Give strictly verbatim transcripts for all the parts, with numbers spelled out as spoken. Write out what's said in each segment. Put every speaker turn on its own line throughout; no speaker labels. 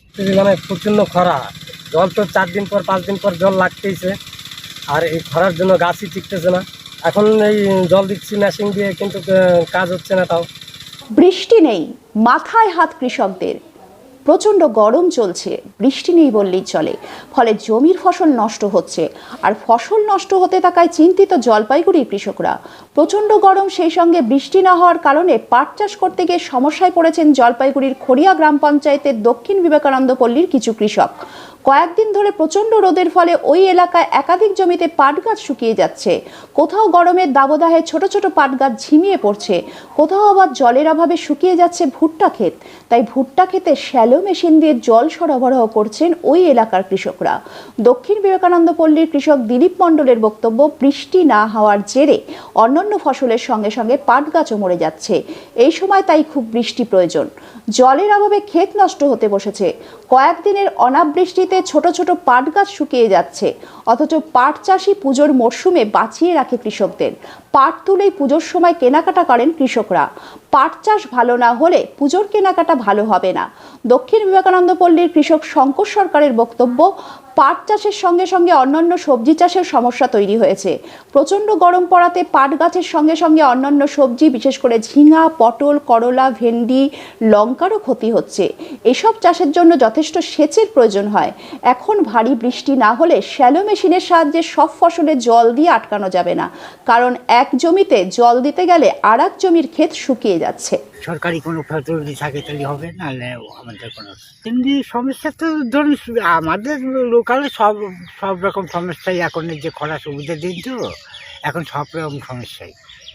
মানে প্রচণ্ড খরা, জল তো চার দিন পর পাঁচ দিন পর জল লাগতেইছে, আর এই খরার জন্য গাছই টিকতেছে না। এখন এই জল দিচ্ছি মেশিন দিয়ে, কিন্তু কাজ হচ্ছে না। তাও
বৃষ্টি নেই, মাথায় হাত কৃষকদের। প্রচণ্ড গরম চলছে, বৃষ্টি নেই বললেই চলে, ফলে জমির ফসল নষ্ট হচ্ছে। আর ফসল নষ্ট হতে থাকায় চিন্তিত জলপাইগুড়ির কৃষকরা। প্রচণ্ড গরম, সেই সঙ্গে বৃষ্টি না হওয়ার কারণে পাট চাষ করতে গিয়ে সমস্যায় পড়েছেন জলপাইগুড়ির খড়িয়া গ্রাম পঞ্চায়েতের দক্ষিণ বিবেকানন্দ পল্লীর কিছু কৃষক। কয়েকদিন ধরে প্রচণ্ড রোদের ফলে ওই এলাকায় একাধিক জমিতে পাট গাছ শুকিয়ে যাচ্ছে। কোথাও গরমের দাবদাহে ছোট ছোট পাট গাছ ঝিমিয়ে পড়ছে, কোথাও আবার জলের অভাবে শুকিয়ে যাচ্ছে ভুট্টা ক্ষেত। তাই ভুট্টা ক্ষেতে শ্যালো মেশিন দিয়ে জল সরবরাহ করছেন ওই এলাকার কৃষকরা। দক্ষিণ বিবেকানন্দ পল্লীর কৃষক দিলীপ মণ্ডলের বক্তব্য, বৃষ্টি না হওয়ার জেরে অন্যান্য ফসলের সঙ্গে সঙ্গে পাট গাছও মরে যাচ্ছে। এই সময় তাই খুব বৃষ্টি প্রয়োজন। জলের অভাবে ক্ষেত নষ্ট হতে বসেছে। কয়েকদিনের অনাবৃষ্টিতে ছোট ছোট পাট গাছ শুকিয়ে যাচ্ছে, অথচ পাট চাষি পুজোর মরশুমে বাঁচিয়ে রাখে কৃষকদের। পাট তুলেই পুজোর সময় কেনাকাটা করেন কৃষকরা। পাট চাষ ভালো না হলে পুজোর কেনাকাটা ভালো হবে না। দক্ষিণ বিবেকানন্দ পল্লীর কৃষক শঙ্কর সরকারের বক্তব্য, পাট চাষের সঙ্গে সঙ্গে অন্যান্য সবজি চাষের সমস্যা তৈরি হয়েছে। প্রচণ্ড গরম পড়াতে পাট গাছের সঙ্গে সঙ্গে অন্যান্য সবজি, বিশেষ করে ঝিঙা, পটল, করলা, ভেন্ডি, লঙ্কারও ক্ষতি হচ্ছে। এসব চাষের জন্য যথেষ্ট সেচের প্রয়োজন হয়। এখন ভারী বৃষ্টি না হলে শ্যালো মেশিনের সাহায্যে সব ফসলে জল দিয়ে আটকানো যাবে না, কারণ এক জমিতে জল দিতে গেলে আর এক জমির ক্ষেত শুকিয়ে যাচ্ছে।
সরকারি কোনো ফ্যাসিলিটি থাকে তাহলে হবে, নাহলে আমাদের কোনো এমনি সমস্যা তো ধরুন আমাদের লোকালে সব সব রকম সমস্যাই। এখন যে খরা সুবিধা দিন তো এখন সব রকম সমস্যাই।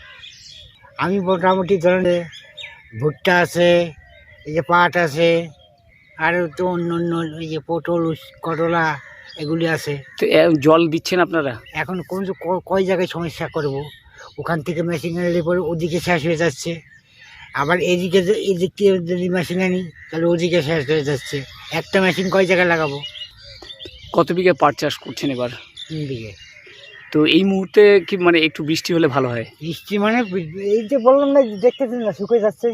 আমি মোটামুটি ধরেন ভুট্টা আছে, এই যে পাট আছে, আরও তো অন্য অন্য এই যে পটল, করলা এগুলি আছে।
তো জল দিচ্ছেন আপনারা?
এখন কোন কয় জায়গায় সমস্যা করব, ওখান থেকে মেশিন এনে পরে ওদিকে শেষ হয়ে যাচ্ছে, আবার এদিকে এদিক থেকে যদি মেশিন আনি তাহলে ওদিকে শেষ হয়ে যাচ্ছে। একটা মেশিন কয় জায়গায় লাগাবো?
কত বিঘা পাট চাষ করছেন এবার?
তিন বিঘে।
তো এই মুহূর্তে কি মানে একটু বৃষ্টি হলে ভালো হয়?
বৃষ্টি মানে এই যে বললাম না, দেখতেছেন না শুকিয়ে যাচ্ছে,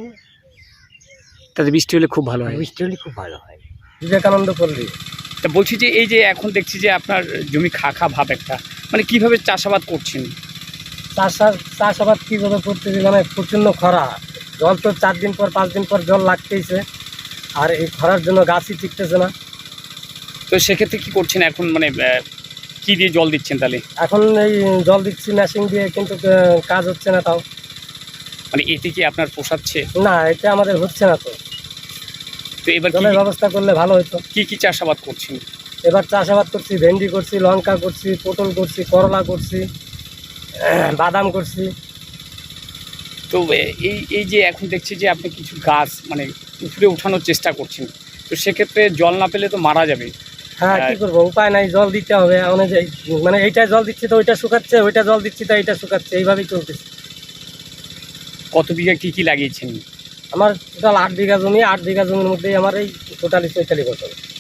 তাতে বৃষ্টি হলে খুব ভালো হয়।
বৃষ্টি হলে খুব ভালো হয়।
বিবেকানন্দ পল্লী।
তা বলছি যে এই যে এখন দেখছি যে আপনার জমি খা খা ভাব একটা, মানে কিভাবে চাষাবাদ করছেন?
চাষার চাষাবাদ কীভাবে করতেছি, মানে প্রচণ্ড খরা, জল তো চার দিন পর পাঁচ দিন পর জল লাগতেইছে, আর এই খরার জন্য গাছই টিকতেছে না।
তো সেক্ষেত্রে কি করছেন এখন, মানে কি দিয়ে জল দিচ্ছেন তাহলে?
এখন এই জল দিচ্ছি মেশিন দিয়ে, কিন্তু কাজ হচ্ছে না। তাও
মানে এতে কি আপনার পোষাচ্ছে?
না, এটা আমাদের হচ্ছে না। তো
তো এবার
জলের ব্যবস্থা করলে ভালো হতো।
কি কি চাষাবাদ করছেন?
এবার চাষাবাদ করছি, ভেন্ডি করছি, লঙ্কা করছি, পটল করছি, করলা করছি, বাদাম করছি।
তো এই এই যে এখন দেখছি যে আপনি কিছু গাছ মানে উপরে উঠানোর চেষ্টা করছেন, তো সেক্ষেত্রে জল না পেলে তো মারা যাবে।
হ্যাঁ, কি করবো, উপায় নাই, জল দিতে হবে। অনুযায়ী মানে এইটা জল দিচ্ছি তো ওইটা শুকাচ্ছে, ওইটা জল দিচ্ছি তো এইটা শুকাচ্ছে, এইভাবেই চলতেছে।
কত বিঘা কি কি লাগিয়েছেন?
আমার টোটাল আট বিঘা জমি, আট বিঘা জমির মধ্যেই আমার এই টোটালি চৈতালি ফসল।